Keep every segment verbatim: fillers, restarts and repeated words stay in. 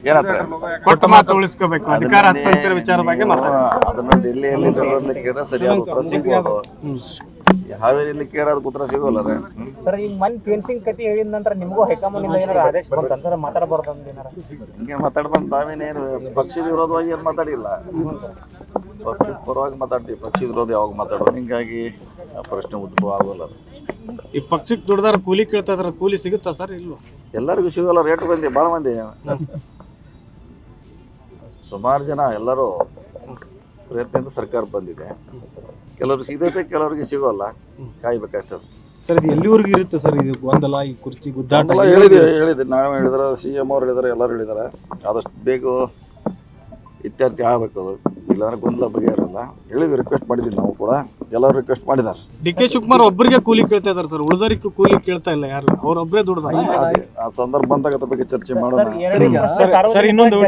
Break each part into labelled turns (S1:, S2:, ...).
S1: ಏನಂತ
S2: ಕೊಟ್ಟ ಮಾತು ಉಳಿಸ್ಕೋಬೇಕು ಅಧಿಕಾರ ಹಸ್ತಾಂತರ ವಿಚಾರ ಬಗ್ಗೆ
S1: ಅದನ್ನ ಡೆಲ್ಲಿಯಲ್ಲಿ ಕೇಳಿದ್ರೆ ಸರಿಯಾದ ಉತ್ತರ ಸಿಗ್ಬೋದು. ಹಾವೇರಿಯಲ್ಲಿ ಕೇಳೋದು ಉತ್ತರ ಸಿಗೋಲ್ಲ
S3: ಸರ್. ಈಗ ಮನ್ ಫೆನ್ಸಿಂಗ್ ಕತಿ ಹೇಳಿದ ನಂತರ ನಿಮಗೂ ಹೈಕಮಾಂಡ್ ಏನಾರ ಆದೇಶ ಬಂತ ಮಾತಾಡಬಾರ್ದು ಅಂದೇನಾರ
S1: ಹಿಂಗೆ ಮಾತಾಡ್ಬಂದು ತಾವೇನೇನು ಪಕ್ಷದ ವಿರೋಧವಾಗಿ ಏನು ಮಾತಾಡಿಲ್ಲ, ಪಕ್ಷದ ಪರವಾಗಿ ಮಾತಾಡ್ತೀವಿ. ಪಕ್ಷದ ವಿರೋಧ ಯಾವಾಗ ಮಾತಾಡೋದು, ಹಿಂಗಾಗಿ ಪ್ರಶ್ನೆ ಉದ್ಭವ ಆಗೋಲ್ಲ.
S2: ಈ ಪಕ್ಷಕ್ಕೆ ದುಡ್ದಾರ ಕೂಲಿ ಕೇಳ್ತಾ ಇದಾರೆ, ಕೂಲಿ ಸಿಗುತ್ತಾ ಸರ್? ಇಲ್ವಾ?
S1: ಎಲ್ಲರಿಗೂ ಸಿಗೋಲ್ಲ. ರೇಟ್ ಬಂದಿ ಭಾಳ ಮಂದಿ, ಸುಮಾರು ಜನ ಎಲ್ಲರೂ ಪ್ರಯತ್ನದಿಂದ ಸರ್ಕಾರ ಬಂದಿದೆ. ಕೆಲವ್ರಿಗೆ ಸಿಗುತ್ತೆ, ಕೆಲವರಿಗೆ ಸಿಗೋಲ್ಲ, ಕಾಯ್ಬೇಕಷ್ಟೇ.
S4: ಸರ್ ಇದು ಎಲ್ಲಿವರೆಗೂ ಇರುತ್ತೆ ಸರ್ ಇದು ಗೊಂದಲ, ಈ ಕುರ್ಚಿ ಗುದ್ದಾಟ?
S1: ಹೇಳಿದ್ವಿ ಹೇಳಿದ್ವಿ ನಾವು ಹೇಳಿದ್ರೆ, ಸಿ ಎಂ ಅವ್ರು ಹೇಳಿದಾರೆ, ಎಲ್ಲರೂ ಹೇಳಿದಾರೆ. ಆದಷ್ಟು ಬೇಗ ಇತ್ಯರ್ಥ ಆಗಬೇಕು, ಅದು ಇಲ್ಲಾಂದ್ರೆ ಗೊಂದಲ ಬಗ್ಗೆ ಇರಲ್ಲ. ಹೇಳಿದ್ವಿ, ರಿಕ್ವೆಸ್ಟ್ ಮಾಡಿದ್ವಿ ನಾವು ಕೂಡ, ಎಲ್ಲರೂ ರಿಕ್ವೆಸ್ಟ್ ಮಾಡಿದ್ದಾರೆ.
S2: ಡಿ ಕೆ ಶಿವಕುಮಾರ್ ಒಬ್ಬರಿಗೆ ಕೂಲಿ ಕೇಳ್ತಾ ಇದಾರೆ ಸರ್, ಉಳಿದವರಿಗೂ ಕೂಲಿ ಕೇಳ್ತಾ ಇಲ್ಲ ಯಾರು, ಅವ್ರೊಬ್ಬರೇ ದುಡ್ದ.
S1: ಆ ಸಂದರ್ಭ ಬಂದಾಗ ಅದ್ರ ಬಗ್ಗೆ ಚರ್ಚೆ ಮಾಡೋಣ.
S4: ಸರ್ ಇನ್ನೊಂದು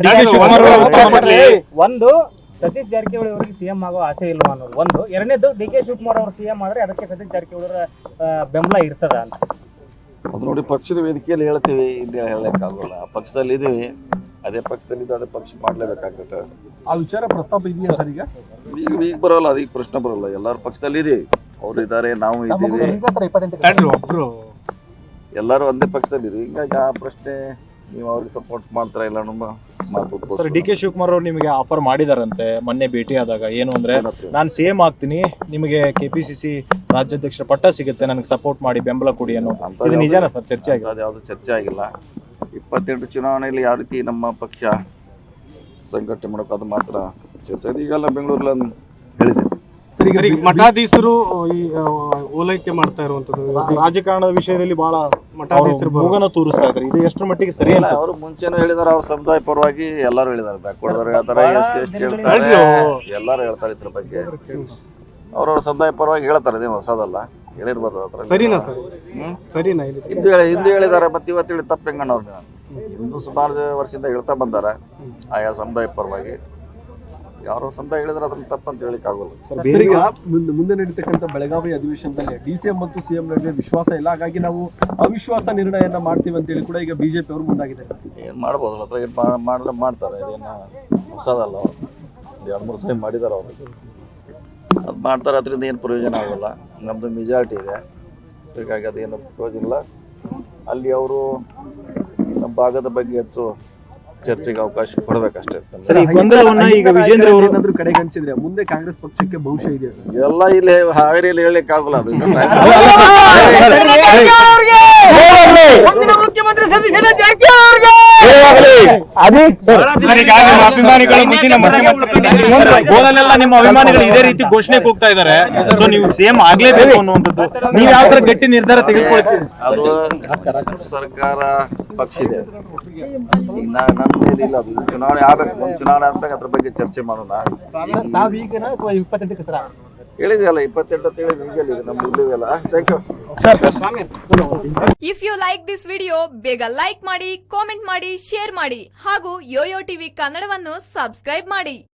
S3: ಒಂದು ಸತೀಶ್ ಜಾರಕಿಹೊಳಿ ಅವರಿಗೆ ಸಿಎಂ ಆಗೋ ಆಸೆ ಇಲ್ವಾ ಅನ್ನೋದು ಒಂದು. ಎರಡನೇದು ಡಿ ಕೆ ಶಿವಕುಮಾರ್ ಅವರು ಸಿಎಂ ಆದ್ರೆ ಅದಕ್ಕೆ ಸತೀಶ್ ಜಾರಕಿಹೊಳಿ ಅವರ ಬೆಂಬಲ ಇರ್ತದ ಅಂತ.
S1: ಅದು ನೋಡಿ, ಪಕ್ಷದ ವೇದಿಕೆಯಲ್ಲಿ ಹೇಳ್ತೀವಿ, ಇಲ್ಲಿ ಹೇಳಕ್ಕಾಗಲ್ಲ. ಪಕ್ಷದಲ್ಲಿ ಇದೀವಿ, ಅದೇ ಪಕ್ಷದಲ್ಲಿ ಅದೇ ಪಕ್ಷ ಮಾಡ್ಲೇಬೇಕಾಗ್ತದೆ.
S4: ಆ ವಿಚಾರ ಪ್ರಸ್ತಾಪ ಇದೆಯಾ ಸರ್? ಈಗ
S1: ಈಗ ಈಗ ಬರೋಲ್ಲ, ಅದೀಗ ಪ್ರಶ್ನೆ ಬರೋಲ್ಲ. ಎಲ್ಲರೂ ಪಕ್ಷದಲ್ಲಿ ಇದೀವಿ, ಅವ್ರು ಇದ್ದಾರೆ, ನಾವು ಇದ್ದೀವಿ,
S2: ಒಬ್ರು
S1: ಎಲ್ಲರೂ ಒಂದೇ ಪಕ್ಷದಲ್ಲಿ ಇದೀವಿ. ಹಿಂಗಾಗಿ ಆ ಪ್ರಶ್ನೆ ನೀವು ಅವ್ರಿಗೆ ಸಪೋರ್ಟ್ ಮಾಡ್ತಾರ ಇಲ್ಲ ನಮ್ಮ ಮಾತು.
S4: ಸರ್ ಡಿ ಕೆ ಶಿವಕುಮಾರ್ ಅವರು ನಿಮಗೆ ಆಫರ್ ಮಾಡಿದಾರಂತೆ ಮೊನ್ನೆ ಭೇಟಿ ಆದಾಗ, ಏನು ಅಂದ್ರೆ ನಾನು ಸಿಎಂ ಆಗ್ತೀನಿ, ನಿಮಗೆ ಕೆಪಿಸಿಸಿ ರಾಜ್ಯಾಧ್ಯಕ್ಷರ ಪಟ್ಟ ಸಿಗುತ್ತೆ, ನನಗೆ ಸಪೋರ್ಟ್ ಮಾಡಿ, ಬೆಂಬಲ ಕೊಡಿ ಅನ್ನೋ. ಇದು ನಿಜಾನ ಸರ್? ಚರ್ಚೆ ಆಗಿಲ್ಲ,
S1: ಯಾವ್ದು ಚರ್ಚೆ ಆಗಿಲ್ಲ. ಇಪ್ಪತ್ತೆಂಟು ಚುನಾವಣೆಯಲ್ಲಿ ಯಾವ ರೀತಿ ನಮ್ಮ ಪಕ್ಷ ಸಂಘಟನೆ ಮಾಡೋಕೆ ಅದು ಮಾತ್ರ ಚರ್ಚೆ. ಈಗೆಲ್ಲ ಬೆಂಗಳೂರಲ್ಲಿ ಹೇಳಿದೆ,
S2: ಮಠಾಧೀಶರು ಈ ಓಲೈಕೆ ಮಾಡ್ತಾ ಇರುವಂತದ್ದು
S4: ರಾಜಕಾರಣದ ವಿಷಯದಲ್ಲಿ ಬಹಳ
S2: ಮಠಾಧೀಶರು
S4: ಮೂಗನ ತೋರಿಸ್ತಾ ಇದ್ದಾರೆ. ಇದು ಎಷ್ಟರ ಮಟ್ಟಿಗೆ ಸರಿ ಅಲ್ಲ?
S1: ಅವರು ಮುಂಚೆನೂ ಹೇಳಿದಾರೆ, ಅವ್ರ ಸಮುದಾಯ ಪರವಾಗಿ ಎಲ್ಲರೂ ಹೇಳಿದ್ದಾರೆ. ಬ್ಯಾಕ್ವರ್ಡ್ ಹೇಳ್ತಾರೆ, ಎಸ್ ಸಿ ಎಸ್ ಟಿ ಹೇಳ್ತಾರೆ, ಎಲ್ಲರೂ ಹೇಳ್ತಾರೆ ಇದ್ರ ಬಗ್ಗೆ. ಅವ್ರವ್ರ ಸಮುದಾಯ ಪರವಾಗಿ ಹೇಳ್ತಾರೆ, ಅದೇನು ಹೊಸದಲ್ಲ, ಹೇಳಿರ್ಬೋದು. ಅದ್ರ
S2: ಸರಿನಾ ಸರ್?
S1: ಹ್ಮ್
S2: ಸರಿನಾ?
S1: ಹಿಂದೂ ಹಿಂದೂ ಹೇಳಿದ್ದಾರೆ, ಮತ್ತೆ ಇವತ್ತು ಹೇಳಿ ತಪ್ಪು ಹೆಂಗಣ್ಣ ಅವ್ರನ್ನ. ಹಿಂದೂ ಸುಮಾರು ವರ್ಷದಿಂದ ಹೇಳ್ತಾ ಬಂದಾರ ಆಯಾ ಸಮುದಾಯ ಪರವಾಗಿ. ಯಾರೋ ಸಮುದಾಯ ಹೇಳಿದ್ರೆ ಅದನ್ನ ತಪ್ಪಂತ ಹೇಳಿಕ್ ಆಗೋಲ್ಲ.
S4: ಮುಂದೆ ನಡೀತಕ್ಕಂಥ ಬೆಳಗಾವಿ ಅಧಿವೇಶನದಲ್ಲಿ ಡಿಸಿಎಂ ಮತ್ತು ಸಿಎಂ ನಡುವೆ ವಿಶ್ವಾಸ ಇಲ್ಲ, ಹಾಗಾಗಿ ನಾವು ಅವಿಶ್ವಾಸ ನಿರ್ಣಯನ ಮಾಡ್ತೀವಿ ಅಂತ ಹೇಳಿ ಕೂಡ ಈಗ ಬಿಜೆಪಿ ಅವರು ಮುಂದಾಗಿದ್ದಾರೆ.
S1: ಏನ್ ಮಾಡ್ಬೋದು, ಹತ್ರ ಏನ್ ಮಾಡ್ರೆ ಮಾಡ್ತಾರೆ, ಇದೇನ ಹೊಸದಲ್ಲ. ಒಂದು ಎರಡು ಮೂರು ಸರಿ ಮಾಡಿದಾರೆ ಅವರು, ಅದು ಮಾಡ್ತಾರೆ. ಅದರಿಂದ ಏನು ಪ್ರಯೋಜನ ಆಗೋಲ್ಲ. ನಮ್ದು ಮೆಜಾರಿಟಿ ಇದೆ, ಹೀಗಾಗಿ ಅದೇನು ಪ್ರಯೋಜನ ಇಲ್ಲ. ಅಲ್ಲಿ ಅವರು ನಮ್ಮ ಭಾಗದ ಬಗ್ಗೆ ಹೆಚ್ಚು ಚರ್ಚೆಗೆ ಅವಕಾಶ ಕೊಡ್ಬೇಕಷ್ಟೇ.
S4: ಈಗ ವಿಜೇಂದ್ರ ಅವರು ಏನಾದ್ರು ಕಡೆಗಣಿಸಿದ್ರೆ ಮುಂದೆ ಕಾಂಗ್ರೆಸ್ ಪಕ್ಷಕ್ಕೆ ಭವಿಷ್ಯ ಇದೆ
S1: ಎಲ್ಲ ಇಲ್ಲಿ ಹಾವೇರಿಯಲ್ಲಿ ಹೇಳಲಿಕ್ಕೆ ಆಗೋಲ್ಲ. ಅದು
S3: ಮುಖ್ಯಮಂತ್ರಿ
S4: ಗೋದಲೆಲ್ಲ ನಿಮ್ಮ ಅಭಿಮಾನಿಗಳು ಇದೇ ರೀತಿ ಘೋಷಣೆ ಕೂಗ್ತಾ ಇದ್ದಾರೆ. ಸೊ ನೀವು ಸಿಎಂ ಆಗ್ಲೇಬೇಕು ಅನ್ನುವಂಥದ್ದು, ನೀವು ಯಾವ ತರ ಗಟ್ಟಿ ನಿರ್ಧಾರ ತೆಗೆದುಕೊಳ್ತೀರಿ?
S1: ಅದು ಸರ್ಕಾರ ಪಕ್ಷ ಇದೆ, ನನ್ನ ಮೇಲೆ ಇಲ್ಲ. ಅದು ಚುನಾವಣೆ ಆಗ್ಬೇಕು, ಮುಂದೆ ಚುನಾವಣೆ ಆದ್ಮೇಲೆ ಅದ್ರ ಬಗ್ಗೆ ಚರ್ಚೆ ಮಾಡೋಣ.
S3: ಇಪ್ಪತ್ತೆಂಟಕ್ಕೆ ಸರ
S1: ಹೇಳಿದೆಯಲ್ಲ, ಇಪ್ಪತ್ತೆಂಟು ಅಂತ ಹೇಳಿದ್ರೆ ಈಗಲ್ಲ ನಮ್ದು ಇಲ್ಲಿವೆಲ್ಲ. Thank you.
S5: If you like this video ಬೇಗ ಲೈಕ್ ಮಾಡಿ, ಕಾಮೆಂಟ್ ಮಾಡಿ, ಶೇರ್ ಮಾಡಿ ಹಾಗೂ ಯೋಯೋ ಟಿವಿ ಕನ್ನಡವನ್ನು ಸಬ್ಸ್ಕ್ರೈಬ್ ಮಾಡಿ.